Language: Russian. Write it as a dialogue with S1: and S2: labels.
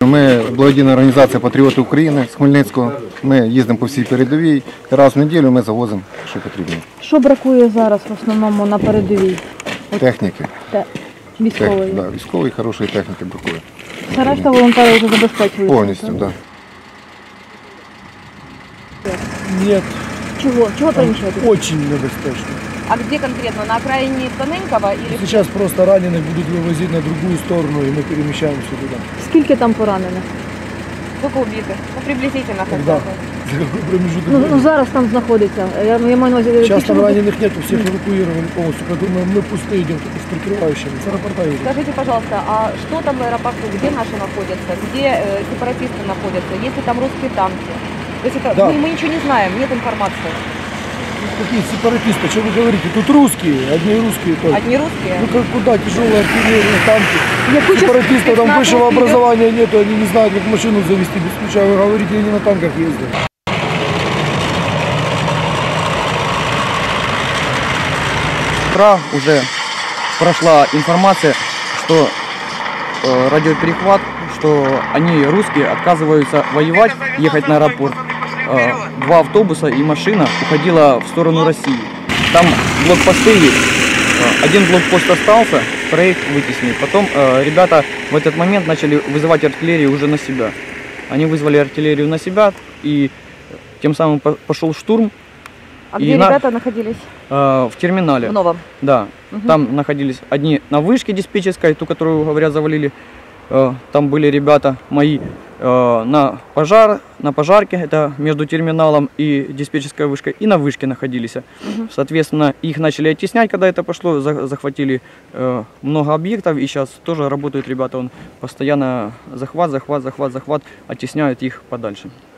S1: Ми благодійна організація Патріоти України з Хмельницького. Ми їздимо по всій передовій. Раз в неділю ми завозимо, що потрібно.
S2: Що бракує зараз в основному на передовій?
S1: Техніки.
S2: Військової?
S1: Да, військової хорошої техніки бракує.
S2: Все решта волонтери вже забезпечують?
S1: Повністю, так. Да.
S3: Нет.
S2: Чего перемещаете?
S3: Очень небезпечно.
S4: А где конкретно? На окраине Тоненького или...
S3: Сейчас просто раненых будут вывозить на другую сторону, и мы перемещаемся туда.
S2: Скільки там поранених?
S4: Сколько убитых? Ну, приблизительно хотя
S3: Когда?
S4: бы.
S3: За какой промежуток
S2: Ну,
S3: времени?
S2: зараз там знаходиться. Я маю на увазі,
S3: Сейчас
S2: ті,
S3: там
S2: що-
S3: раненых нету, всех эвакуировали полностью, поэтому мы пустые идем, только с прикрывающими. С аэропорта едем.
S4: Скажите, пожалуйста, а что там в аэропорту? Где наши находятся? Где сепаратисты находятся? Есть ли там русские танки? То есть это,
S3: Да.
S4: мы ничего не знаем, нет информации.
S3: Какие сепаратисты? Что вы говорите? Тут русские, одни русские только.
S4: Одни русские?
S3: Ну как куда? Тяжелая артиллерия, танки.
S2: Яку частину?
S3: Сепаратистов там
S4: Спецназ
S3: высшего
S4: вперед.
S3: образования нету, они не знают, как машину завести без ключа. Вы говорите, они на танках ездят.
S5: Утра уже прошла информация, что радиоперехват, что они, русские, отказываются воевать, ехать на аэропорт. Два автобуса и машина уходила в сторону России. Там блокпосты есть. Один блокпост остался, троих вытеснили. Потом ребята в этот момент начали вызывать артиллерию уже на себя. Они вызвали артиллерию на себя, и тем самым пошел штурм.
S4: А
S5: И
S4: где ребята находились?
S5: В терминале.
S4: В новом?
S5: Да. Там находились одни на вышке диспетчерской, ту, которую, говорят, завалили. Там были ребята мои на пожарке, это между терминалом и диспетчерской вышкой, и на вышке находились. Соответственно, их начали оттеснять, когда это пошло, захватили много объектов, и сейчас тоже работают ребята, он постоянно захват, оттесняют их подальше.